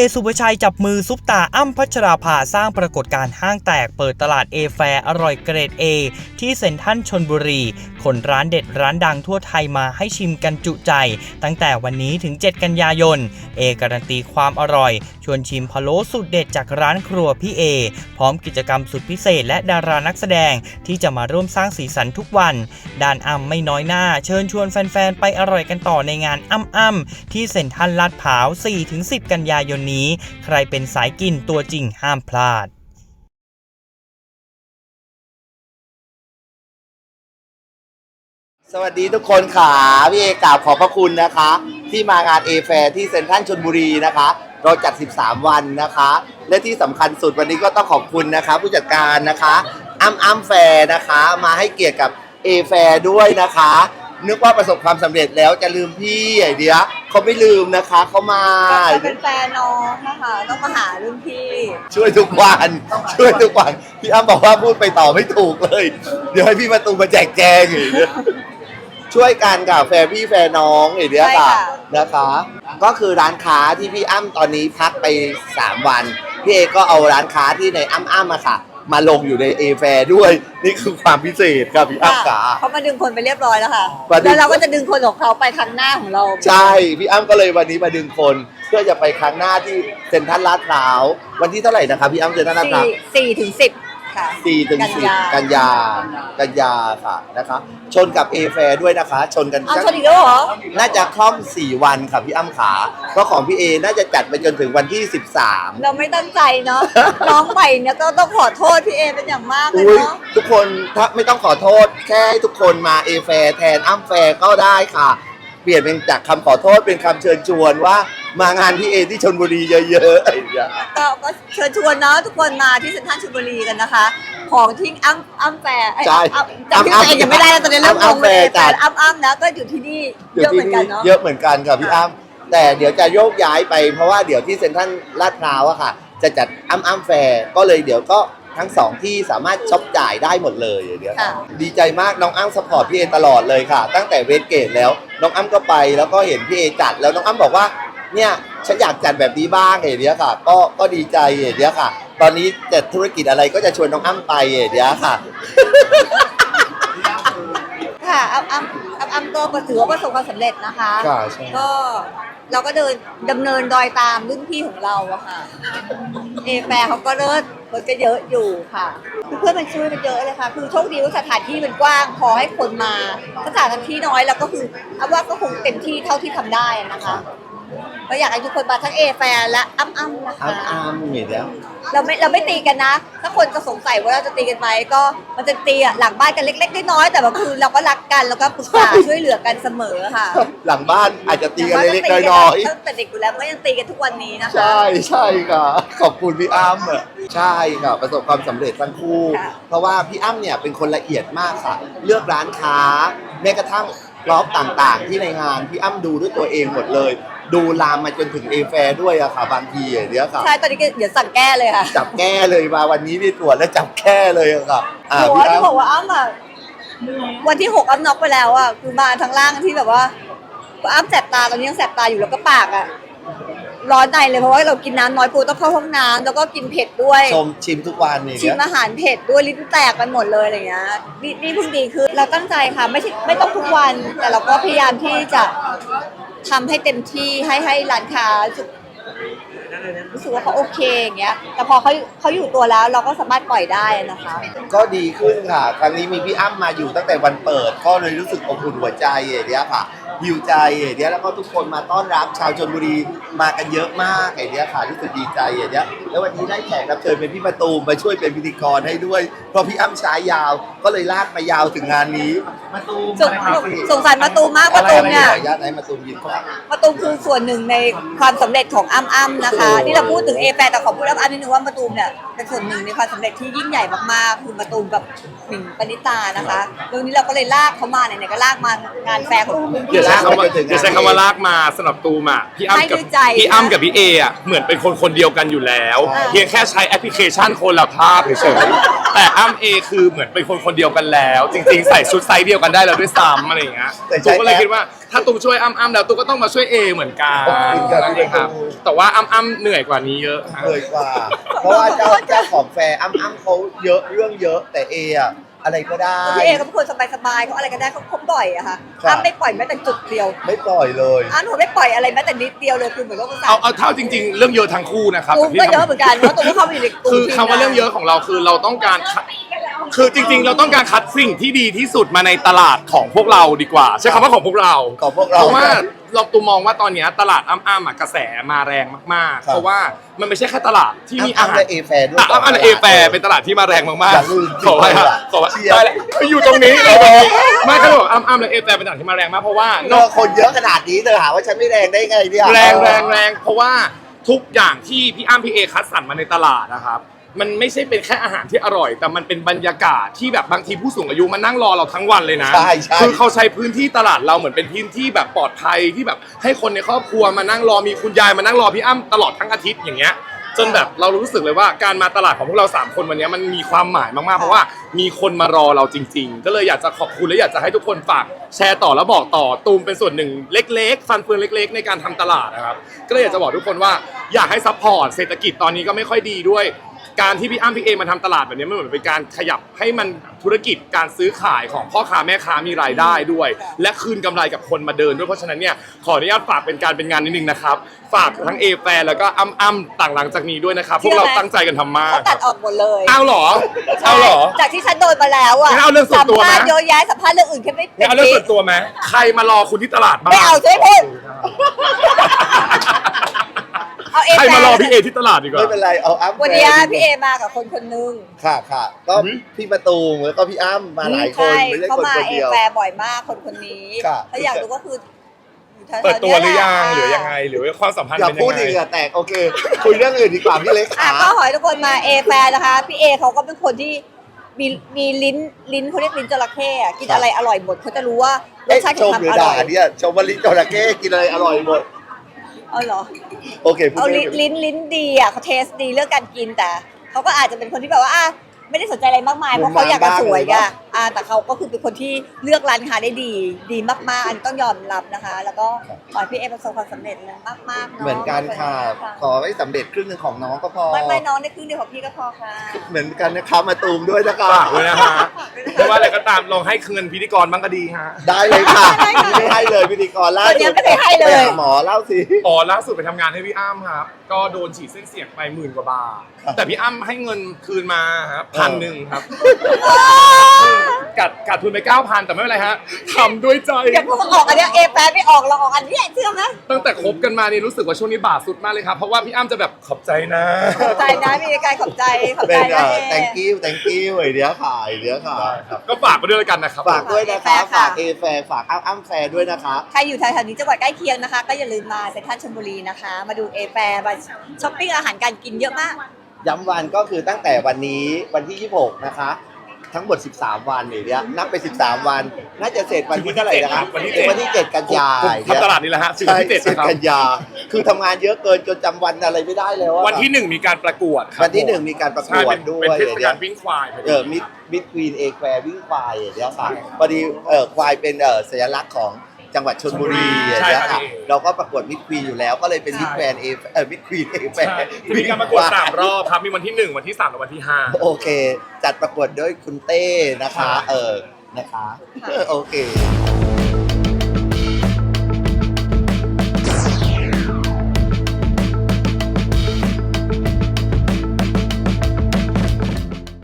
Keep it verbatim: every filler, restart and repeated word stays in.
สุภชัยจับมือซุปตาอ้ำพัชราภาสร้างปรากฏการณ์ห้างแตกเปิดตลาดเอแฟร์อร่อยเกรด A ที่เซ็นทรัลชลบุรีคนร้านเด็ดร้านดังทั่วไทยมาให้ชิมกันจุใจตั้งแต่วันนี้ถึงเจ็ดกันยายนเอการันตีความอร่อยชวนชิมพะโล้สูตรเด็ดจากร้านครัวพี่เอพร้อมกิจกรรมสุดพิเศษและดารานักแสดงที่จะมาร่วมสร้างสีสันทุกวันด้านอ้ำไม่น้อยหน้าเชิญชวนแฟนๆไปอร่อยกันต่อในงานอ้ำอ้ำที่เซ็นทรัลลาดพร้าว สี่ถึงสิบ กันยายนนี้ใครเป็นสายกินตัวจริงห้ามพลาดสวัสดีทุกคนค่ะพี่เอกราบขอบพระคุณนะคะที่มางานเอแฟร์ที่เซ็นทรัลชลบุรีนะคะเราจัดสิบสามวันนะคะและที่สำคัญสุดวันนี้ก็ต้องขอบคุณนะคะผู้จัดการนะคะอ้ำอ้ำแฟร์นะคะมาให้เกียรติกับเอแฟร์ด้วยนะคะนึกว่าประสบความสำเร็จแล้วจะลืมพี่ไอเดียเขาไม่ลืมนะคะเขามาก็เป็นแฟนน้องนะคะต้องมาหารุ่นพี่ช่วยทุกวันช่วยทุกวันพี่อ้ำบอกว่าพูดไปต่อไม่ถูกเลยเดี๋ยวให้พี่มาตูมาแจกแจงอีกช่วยกันกับแฟร์พี่แฟร์น้องอย่างเงี้ยค่ะนะคะก็คือร้านค้าที่พี่อ้ำตอนนี้พักไปสามวันพี่เอก็เอาร้านค้าที่ในอ้ำอ้ำอะค่ะมาลงอยู่ในเอแฟร์ด้วยนี่คือความพิเศษครับพี่อ้ำขาเขามาดึงคนไปเรียบร้อยแล้วค่ะแล้วเราก็จะดึงคนของเขาไปครั้งหน้าของเราใช่พี่อ้ำก็เลยวันนี้มาดึงคนเพื่อจะไปครั้งหน้าที่เซ็นทรัลลาดพร้าววันที่เท่าไหร่นะครับพี่อ้ำเซ็นทรัลลาดพร้าวสี่ถึงสิบสี่ถึงสิบกันยากันยาค่ะนะคะชนกับเอแฟร์ด้วยนะคะชนกันอ้าวชนอีกแล้วเหรอน่าจะคล่อมสี่วันค่ะพี่อ้ำขาเพราะของพี่เอน่าจะจัดไปจนถึงวันที่สิบสามเราไม่ตั้งใจเนาะน้องใหม่เนี่ยก็ต้องขอโทษพี่เอเป็นอย่างมากเลยเนาะทุกคนถ้าไม่ต้องขอโทษแค่ให้ทุกคนมาเอแฟร์แทนอ้ำแฟร์ก็ได้ค่ะเปลี่ยนเป็นจากคำขอโทษเป็นคำเชิญชวนว่ามางานพี่เอที่ชลบุรีเยอะๆอะไรอย่างเงี้ยก็เชิญชวนเนาะทุกคนมาที่เซ็นทรัลชลบุรีกันนะคะของที่อ้ำอ้ำแฟร์ใช่จำพี่เองยังไม่ได้แล้วตอนนี้เริ่มงงเลยแต่อ้ำอ้ำนะก็อยู่ที่นี่เยอะเหมือนกันเนาะเยอะเหมือนกันค่ะพี่อ้ำแต่เดี๋ยวจะโยกย้ายไปเพราะว่าเดี๋ยวที่เซ็นทรัลลาดพร้าวอะค่ะจะจัดอ้ำอ้ำแฟร์ก็เลยเดี๋ยวก็ทั้งสองที่สามารถช็อปจ่ายได้หมดเลยเดี๋ยวดีใจมากน้องอ้ำซัพพอร์ตพี่เอตลอดเลยค่ะตั้งแต่เวสเกตแล้วน้องอ้ำก็ไปแล้วก็เห็นพี่เอจัดแล้วน้องอ้ำบอกว่าเนี่ยฉันอยากจัดแบบนี้บ้างเดี๋ยวค่ะก็ก็ดีใจเดี๋ยวค่ะตอนนี้จัดธุรกิจอะไรก็จะชวนน้องอ้ำไปเดี๋ยวค่ะค่ะอ้ำอ้ำอ้ำอ้ำก็ถือว่าประสบความสำเร็จนะคะก็เราก็เดินดำเนินรอยตามรุ่นพี่ของเราอะค่ะเอแฟร์เขาก็เลิศคนก็เยอะอยู่ค่ะเพื่อนมันช่วยมันเยอะเลยค่ะคือโชคดีว่าสถานที่มันกว้างพอให้คนมาสถานที่น้อยแล้วก็คือเอาว่าก็คงเต็มที่เท่าที่ทำได้นะคะก็อยากให้ทุกคนมาทั้งเอแฟร์และอ้ำอ้ำนะคะอ้ำอ้ำเห็นแล้วเราไม่เราไม่ตีกันนะถ้าคนจะสงสัยว่าเราจะตีกันไหมก็มันจะตีอะหลังบ้านกันเล็กๆน้อยๆแต่ว่าคือเราก็รักกันแล้วก็ปรึกษาช่วยเหลือกันเสมอค่ะหลังบ้านอาจจะตีกันเล็กๆน้อยๆตั้งแต่เด็กอยู่แล้วก็ยังตีกันทุกวันนี้นะคะใช่ใช่ค่ะขอบคุณพี่อ้ำอ่ะใช่ค่ะประสบความสำเร็จทั้งคู่เพราะว่าพี่อ้ำเนี่ยเป็นคนละเอียดมากค่ะเลือกร้านค้าแม้กระทั่งรอบต่างๆที่ในงานพี่อ้ำดูด้วยตัวเองหมดเลยดูลามมาจนถึงเอแฟร์ด้วยอะค่ะบางทีเดี๋ยวค่ะใช่ตอนนี้ก็เดี๋ยวสั่งแก้เลยค่ะจับแก้เลยมาวันนี้นี่ตรวจแล้วจับแก้เลยค่ะอ่าพี่อ้ำบอกว่าอ้ำอะวันที่หกอ้ำน็อกไปแล้วอะคือมาทั้งล่างที่แบบว่าอ้ำแสบตาตอนนี้ยังแสบตาอยู่แล้วก็ปากอะร้อนในเลยเพราะว่าเรากินน้ำน้อยปูต้องเข้าห้องน้ำแล้วก็กินเผ็ดด้วยชมชิมทุกวันนี่ชิมอาหารเผ็ดด้วยลิ้นแตกกันหมดเลยอะไรเงี้ยนี่นี่เพิ่งดีคือเราตั้งใจค่ะไม่ใช่ไม่ต้องทุกวันแต่เราก็พยายามที่จะทำให้เต็มที่ให้ให้ร้านค้ารู้สึกว่าเขาโอเคอย่างเงี้ยแต่พอเขาเขาอยู่ตัวแล้วเราก็สามารถปล่อยได้นะคะก็ดีขึ้นค่ะครั้งนี้มีพี่อ้ำมาอยู่ตั้งแต่วันเปิดก็เลยรู้สึกอบอุ่นหัวใจอย่างเงี้ยค่ะหิวใจอย่างเงี้ยแล้วก็ทุกคนมาต้อนรับชาวชลบุรีมากันเยอะมากอย่างเงี้ยค่ะรู้สึกดีใจอย่างเงี้ยแล้ววันนี้ได้แขกรับเชิญเป็นพี่มะตูมมาช่วยเป็นพิธีกรให้ด้วยเพราะพี่อ้ำใช้ยาวก็เลยลากมายาวถึงงานนี้มะตูมสงสารมะตูมมากมะตูมเนี่ยญาติไหนมะตูมยินครับมะตูมคือส่วนหนึ่งในความสำเร็จของอ้ำอ้ำนะคะที่เราพูดถึงเอแฟร์แต่ขอพูดอ้ำอ้ำนิดนึงว่ามะตูมเนี่ยเป็นส่วนหนึ่งในความสำเร็จที่ยิ่งใหญ่มากๆคือมะตูมกับหนิงปณิตานะคะตรงนี้เราก็เลยลากเขามาไหนๆก็ลากมางานแฟร์ของคุณพี่ลากเขาเดี๋ยวใช้คำว่าลากมาสำหรับตูมอ่ะพี่อ้ำกับพี่อ้ำกับพี่เออ่ะเหมือนเป็นคนคนเดียวกันอยู่แล้วเพียงแค่ใช้แอปพลิเคชันคนละภาพเฉยแต่อ้ำเอคือเหมือนเป็นคนคนเดียวกันแล้ว จริงๆใส่ชุดไซส์เดียวกันได้แล้วด้วยซ้ำอะไรอย่างเงี้ยตูก็เลยคิดว่าถ้าตูช่วยอ้ำอ้ำแล้วตูก็ต้องมาช่วยเอเหมือนกันนะครับแต่ว่าอ้ำอ้ำเหนื่อยกว่านี้เยอะเหนื่อยกว่า เพราะว่าเจ้าเจ้าของแฟร์อ้ำอ้ำเขาเยอะเรื่องเยอะแต่เออะอะไรก็ได้พี่เอเขาเป็นคนสบายๆเขาอะไรก็ได้เขาเขาปล่อยอะค่ะครับอ้ำไม่ปล่อยแม้แต่จุดเดียวไม่ปล่อยเลยอ้ำหนูไม่ปล่อยอะไรแม้แต่นิดเดียวเลยคือเหมือนว่าเอาเอาเท่าจริง ๆ เรื่องเยอะทั้งคู่นะครับตูมก็เยอะเหมือนกันเพราะตูมก็เข้าไปอยู่ในกลุ่มคือคำว่าเรื่องเยอะของเราคือเราต้องการคัดคือจริง ๆ เราต้องการคัดสิ่งที่ดีที่สุดมาในตลาดของพวกเราดีกว่า ใช้คำว่าของพวกเราของพวกเราเพราะว่าเราตูมองว่าตอนนี้ตลาดอ้ำๆอ่ะกระแสมาแรงมากๆครับเพราะว่ามันไม่ใช่แค่ตลาดที่มีอาอ้ำหารและเอแฟร์ด้วยอ่ะอ้ำและเอแฟร์เป็นตลาดที่มาแรงมากอย่างอื่นๆขอให้ครับขอให้เชียร์ได้แหละอยู่ตรงนี้เราตรงนี้ไม่เขาบอกอ้ำๆและเอแฟร์เป็นตลาดที่มาแรงมากเพราะว่าเนอะคนเยอะขนาดนี้เธอหาว่าฉันไม่แรงได้ไงเนี่ยแรงแรงแรงเพราะว่าทุกอย่างที่พี่อ้ำพี่เอคัดสรรมาในตลาดนะครับ มันไม่ใช่เป็นแค่อาหารที่อร่อย แต่มันเป็นบรรยากาศที่แบบบางทีผู้สูงอายุมานั่งรอเราทั้งวันเลยนะใช่ใช่คือเขาใช้พื้นที่ตลาดเราเหมือนเป็นพื้นที่แบบปลอดภัยที่แบบให้คนในครอบครัวมานั่งรอมีคุณยายมานั่งรอพี่อ้ำตลอดทั้งอาทิตย์อย่างเงี้ยจนแบบเรารู้สึกเลยว่าการมาตลาดของพวกเราสามคนวันนี้มันมีความหมายมากๆเพราะว่ามีคนมารอเราจริง ๆ ก็เลยอยากจะขอบคุณและอยากจะให้ทุกคนฝากแชร์ต่อแล้วบอกต่อตูมเป็นส่วนหนึ่งเล็กๆ ฟันเฟืองเล็ก ๆ ในการทำตลาดนะครับก็เลยอยากจะบอกทุกคนว่าอยากให้ซัพพอร์ตเศรษฐกิจตอนนี้ก็ไม่ค่อยดีด้วยการที่พี่อ้ำพี่เอมาทำตลาดแบบนี้มันเหมือนเป็นการขยับให้มันธุรกิจการซื้อขายของพ่อค้าแม่ค้ามีรายได้ด้วย และคืนกำไรกับคนมาเดินด้วยเพราะฉะนั้นเนี่ยขออนุญาตฝากเป็นการเป็นงานนิดนึงนะครับฝากทั้งเอแฟร์แล้วก็อ้ำอ้ำต่างหลังจากนี้ด้วยนะครับพวกเราตั้งใจกันทำมากเขาตัดออกหมดเลยเอาเหรอเอาเหรอจากที่ฉันโดนมาแล้วอะงั้นเอาเรื่องส่วนตัวไหมสัมภาษณ์เยอะแยะสัมภาษณ์เรื่องอื่นแค่ไม่เนี่ยเอาเรื่องส่วนตัวไหมใครมารอคุณที่ตลาดบ้างไม่เอาช่วยพูดเอาเอใครแฟมารอพี่เอที่ตลาดดีกว่าไม่เป็นไรเอาอ้ำวันนี้พี่เอมากับคนคนนึงค่ะค่ะก็พี่ประตูมแล้วก็พี่อ้ำมาหลายคนใช่ไม่ใช่เขาคนมาคนเอเดียวแฟบ่อยมากคนคนนี้ค่ะถ้าอยากรู้ก็คืออยู่แถวๆเปิดตัวหรือยังเนี่หรือแะยังไงหรือว่าความสัมพันธ์อย่าเป็นยัพูดงไงอีกอะแตกโอเค คุยเรื่องอื่นดีกว่าพี่เล็กอ่ะขาก็ขอให้ทุกคนมาเอแฟนะคะพี่เอเขาก็เป็นคนที่มีมีลิ้นลิ้นเขาเรียกลิ้นจระเข้อะกินอะไรอร่อยหมดเขาจะรู้ว่ารสเอ๊ะชาติชของมมันหรืออร่ด่าอยเนี่ยชมวลิจระเข้กินอะไรอร่อยหมดเอาเหรอโอเคพูดเอาเรื่ลิ้อน งอื่นลิ้นลิ้นดีอ่ะเขาเทสดีเรื่องการกินแต่เขาก็อาจจะเป็นคนที่แบบว่าอ่ะไม่ได้สนใจอะไรมากมายเพราะเขาอยากจะสวยอ่ะอ่ะแต่เขาก็คือเป็นคนที่เลือกร้านค้าได้ดี ดีมากๆอันนต้องยอมรับนะคะ แล้วก็ขอให้พี่เอประสบความสำเร็จนะมากๆเนาะเหมือนกันค่ะ ขอให้สำเร็จครึ่งหนึ่งของน้องก็พอไม่ไม่น้องในครึ่งเดียวของพี่ก็พอค่ะเหมือนกันนะคะมาตูมด้วยนะคะฝากด้วยนะฮะไม่ว่าอะไรก็ตามลองให้เงินพิธีกรบ้างก็ดีฮะได้เลยค่ะไม่ให้เลยพิธีกรล่าตอนสุนี้ดไม่ได้ให้เลไปยหาหมอเล่าสิอ๋อล่าสุดไปทำงานให้พี่อ้ำครับ ก็โดนฉีดเส้นเสียงไปหมื่นกว่าบาท แต่พี่อ้ำให้เงินคืนมาครับพันหนึ่งครับกัดกัดทุนไปเก้าพันแต่ไม่เป็นไรฮะทำด้วยใจอย่าเพิ่งออกอันเนี้ยเอแปไม่ออกเราออกอันเนี้ยเชื่อไหมตั้งแต่คบกันมานี่รู้สึกว่าช่วงนี้บาทสุดมากเลยครับ เพราะว่าพี่อ้ำจะแบบขอบใจนะขอบใจนะมีการขอบใจขอบเป็ใจนนะเอ่อเอ thank you thank you ไอเดียค่ะไอเดียค่ะก็ฝากไปด้วยแล้วกันนะครับฝากด้วยนะคะฝากฝากค่ะเอแฟร์ฝากอ้ำอ้ำแฟร์ด้วยนะคะใครอยู่แถวๆนี้จังหวัดใกล้เคียงนะคะ ก็อย่าลืมมาเซ็นทรัลชลบุรีนะคะ มาดูเอแฟมาช้อปปิ้งอาหารการกินเยอะมากย้ำวันก็คือตั้งแต่วันนี้วันที่ยี่สิบหกนะคะ ทั้งหมดสิบสามวันเนี่ยเดี๋ยวนับไปสิบสามวัน น่าจะเสร็จวันที่เท่าไหร่นะคะวันที่เจ็ดวันที่เจ็ดกันยาทำตลาดนี่แหละฮะถึงใช่วันที่เจ็ดเจ็ดนะครับกันยา คือทำงานเยอะเกินจนจำวันอะไรไม่ได้แล้วอะวันที่หนึ่งมีการประกวดครับวันที่หนึ่งมีการประกใช่วดเป็นด้วเป็นยเทศเดี๋ยกาว ลวิ่งควายพอเอดีอมิดมิดควีนเอแควร์วิ่งควายเดี๋ยวค่ะพอดีเออควายเป็นเออสัญลักษณ์ของจังหวัดชลบุรีใช่เดี๋ยวครัค่ะบเราก็ประกวดมิดควีนอยู่แล้วก็เลยเป็นมิดแควร์เอเออมิดควีนเอแควใช่ร์มีการประกวดสามรอบครับ มีวันที่หนึ่งวันที่สามและวันที่ห้าโอเค จัดประกวดด้วยคุณเต้นะคะ เออนะคะ โอเค